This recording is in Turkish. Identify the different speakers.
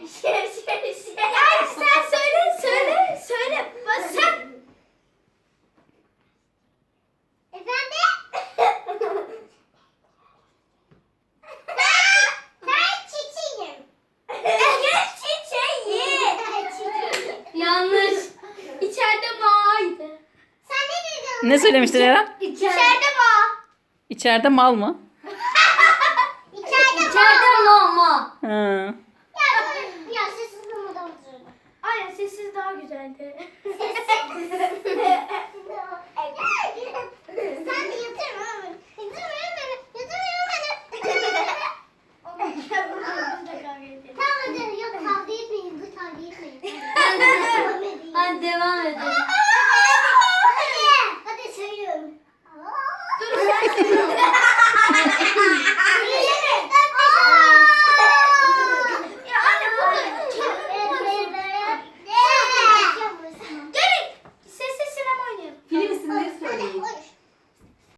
Speaker 1: Ya sen söyle. Bak sen.
Speaker 2: Efendim? Ben çiçeğim.
Speaker 1: Yanlış. İçeride bağıydı.
Speaker 2: Sen ne dedin?
Speaker 3: Ne söylemiştin Eren?
Speaker 1: İçeride bağ.
Speaker 3: İçeride mal mı?
Speaker 2: İçeride
Speaker 1: İçeride mama.
Speaker 3: Ha.